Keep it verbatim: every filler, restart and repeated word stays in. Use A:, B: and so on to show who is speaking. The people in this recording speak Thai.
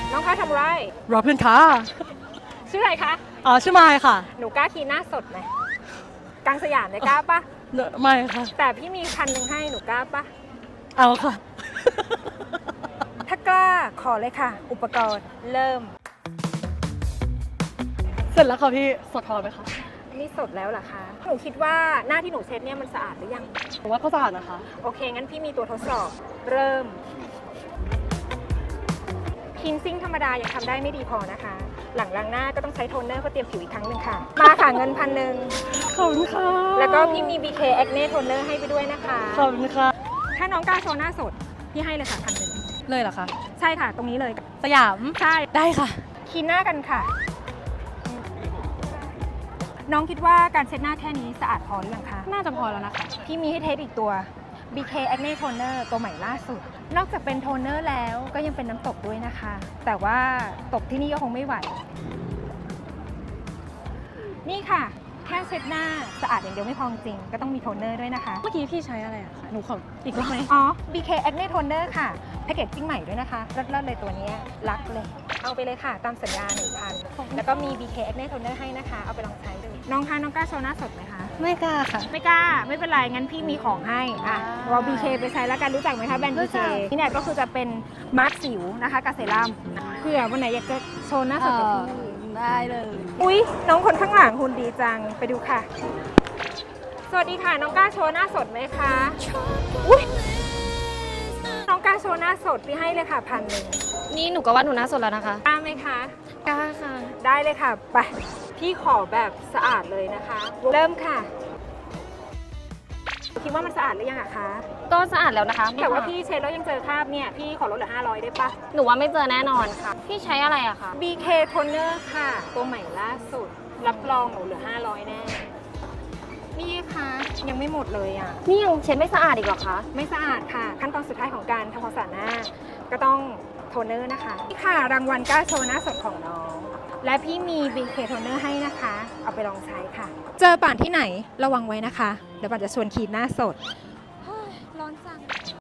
A: น้องคะทำไร
B: รอเพื่อนค่ะ
A: ชื่ออะไรคะ
B: อ๋อชื่อไมค์ค่ะ
A: หนูกล้าคีหน้าสดไหมกลางสยามเนี่ยกล้าปะ
B: เนอะไม่ค่ะ
A: แต่พี่มีพันหนึ่งให้หนูกล้าปะ
B: เอาค่ะ
A: ถ้ากล้าขอเลยค่ะ อุปกรณ์เริ่ม
B: เสร็จแล้วค่ะพี่สดพอไหมคะ
A: นี่สดแล้วเหรอคะ หนูคิดว่าหน้าที่หนูเช็ดเนี่ยมันสะอาดหรือยัง
B: ผมว่าก็สะอาดนะคะ
A: โอเค งั้นพี่มีตัวทดสอบ เริ่มคินซิ่งธรรมดายังทำได้ไม่ดีพอนะคะ หลังล้างหน้าก็ต้องใช้โทนเนอร์เพื่อเตรียมผิวอีกครั้งหนึ่งค่ะ มาค่ะเงินพันหนึ่ง
B: ขอบคุณค่ะ
A: แล้วก็พี่มี บี เค Acne Toner ให้ไปด้วยนะคะ
B: ขอบคุณค่ะ
A: ถ้าน้องกล้าโชว์หน้าสด พี่ให้เลยค่ะพันหนึ่ง
B: เลยเหรอคะ
A: ใช่ค่ะ ตรงนี้เลย
B: สยาม
A: ใช่
B: ได้ค่ะ
A: คีนหน้ากันค่ะ น้องคิดว่าการเช็ดหน้าแค่นี้สะอาดพอหรือยังคะ
B: น่าจะพอแล้วนะคะ
A: พี่มีให้เทสอีกตัว บี เค Acne Toner ตัวใหม่ล่าสุด นอกจากเป็นโทนเนอร์แล้วก็ยังเป็นน้ำตกด้วยนะคะ แต่ว่าตกที่นี่ก็คงไม่ไหว นี่ค่ะ แค่เช็ดหน้าสะอาดอย่างเดียวไม่พอจริงก็ต้องมีโทนเนอร์ด้วยนะคะ
B: เมื่อกี้พี่ใช้อะไรอะคะ หนูขออีกรอบไหม
A: อ๋อ บี เค Acne Toner ค่ะแพคเกจจิ้งใหม่ด้วยนะคะเลิศๆเลยตัวเนี้ยรักเลย เอาไปเลยค่ะ ตามสัญญา หนึ่งพัน แล้วก็มี บี เค Acne Toner ให้นะคะ เอาไปลองใช้ดู น้องคะน้องกล้าโชว์หน้าสดไหมคะ
B: ไม่กล้าค่ะ
A: ไม่กล้า ไม่เป็นไร งั้นพี่มีของให้ อ่ะ
B: อ่า
A: เรา บี เค ไปใช้แล้วกัน รู้จักไหมคะแบรนด์
B: รู้
A: บี เค
B: จัก
A: นี่เนี่ยก็คือจะเป็นมาร์คสิวนะคะกับเซรั่มเผื่อวันไหนอยากจะโชว์หน้าสดกับพี่
B: ได้เลย
A: อุ๊ย น้องคนข้างหลังหุ่นดีจัง ไปดูค่ะ สวัสดีค่ะ น้องกล้าโชว์หน้าสดไหมคะ อุ๊ย น้องกล้าโชว์หน้าสดพี่ให้เลยค่ะพันหนึ่ง
B: นี่หนูก็ว่าหนูน่าสดแล้วนะคะ
A: กล้าไหมคะ
B: กล้าค่ะ
A: ได้เลยค่ะ ไป พี่ขอแบบสะอาดเลยนะคะ เริ่มค่ะ คิดว่ามันสะอาดหรือยังอะคะ
C: ก็สะอาดแล้วนะคะ
A: แต่ว่าพี่เช็ดแล้วยังเจอคราบเนี่ย พี่ขอลดเหลือห้าร้อยได้ปะ
C: หนูว่าไม่เจอแน่นอนค่ะ พี่ใช้อะไรอะคะ
A: บี เค Toner ค่ะ ตัวใหม่ล่าสุด รับรองหนูเหลือห้าร้อยแน่ นี่ค่ะยังไม่หมดเลยอ่ะ
C: นี่ยังเช็ดไม่สะอาดอีกเหรอคะ
A: ไม่สะอาดค่ะ ขั้นตอนสุดท้ายของการทำความสะอาดหน้า ก็ต้องโทนเนอร์นะคะนี่ค่ะรางวัลกล้าโชว์หน้าสดของน้อง และพี่มี บี เค Toner ให้นะคะ เอาไปลองใช้ค่ะ เจอป่านที่ไหนระวังไว้นะคะเดี๋ยวป่านจะชวนคีนหน้าสด